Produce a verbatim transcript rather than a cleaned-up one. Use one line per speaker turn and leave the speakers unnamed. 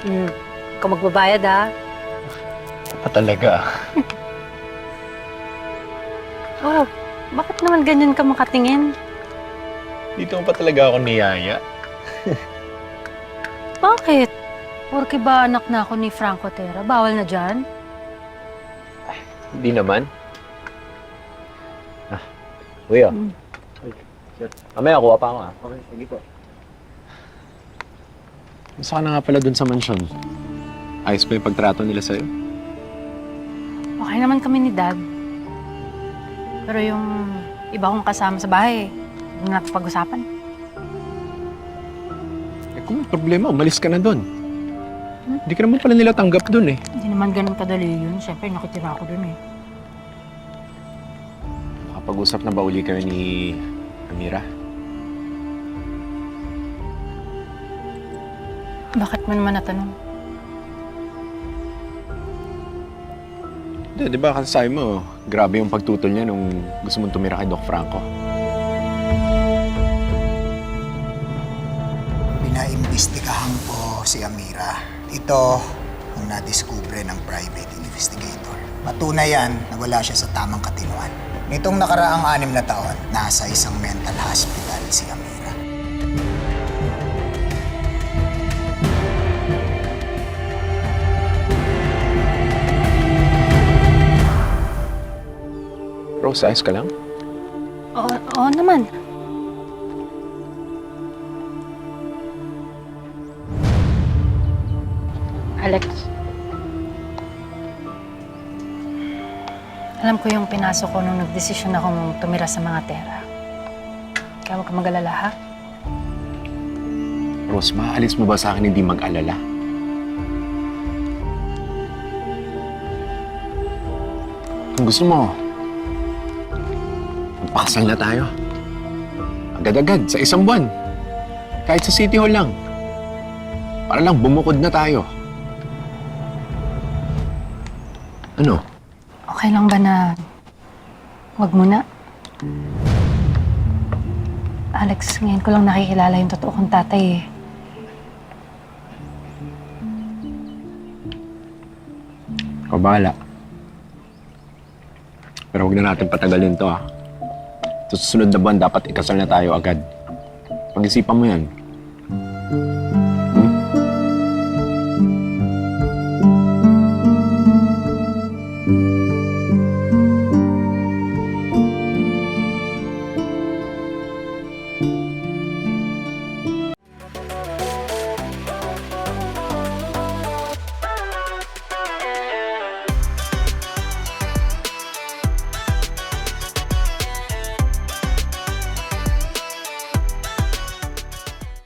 Hmm. Ikaw magbabayad, ha?
Pa talaga.
Oh, bakit naman ganyan ka makatingin?
Dito mo pa talaga ako niyaya.
Bakit? Porke ba anak na ako ni Franco Terra? Bawal na dyan?
Hindi naman. Ah, kuya.
Hmm.
Mamaya, kuha pa ako ah. Okay, sige po. Masa ka na nga pala dun sa mansyon? Ayos ba yung pagtrato nila sa'yo?
Okay naman kami ni Dad. Pero yung iba kong kasama sa bahay, hindi na natin pag-usapan.
Eh kung may problema, umalis ka na dun.
Hmm?
Hindi ka naman pala nila tanggap dun eh.
Hindi naman ganun kadali yun. Siyempre, nakitira ako dun eh.
Nakapag-usap na ba uli kayo ni Amira?
Bakit mo naman natanong?
Hindi, di ba kasi sabi mo, grabe yung pagtutol niya nung gusto mong tumira kay Doc Franco.
Pinaimbestigahan ko si Amira. Ito ang nadiskubre ng private investigator. Patunay yan na wala siya sa tamang katinuan. Nitong nakaraang anim na taon, nasa isang mental hospital si Amira.
Rose, ayos ka lang?
Oo, oo naman. Alex. Alam ko yung pinasok ko nung nagdesisyon akong tumira sa mga Terra. Kaya huwag ka mag-alala, ha?
Rose, maaalis mo ba sa akin hindi mag-alala? Kung gusto mo, magpakasal na tayo. Agad-agad, sa isang buwan. Kahit sa City Hall lang. Para lang bumukod na tayo. Ano?
Okay lang ba na wag muna? Alex, ngayon ko lang nakikilala yung totoo kong tatay eh.
Ikaw bahala. Pero huwag na natin patagalin to, ah. Sa susunod na buwan, dapat ikasal na tayo agad. Pag-isipan mo yan.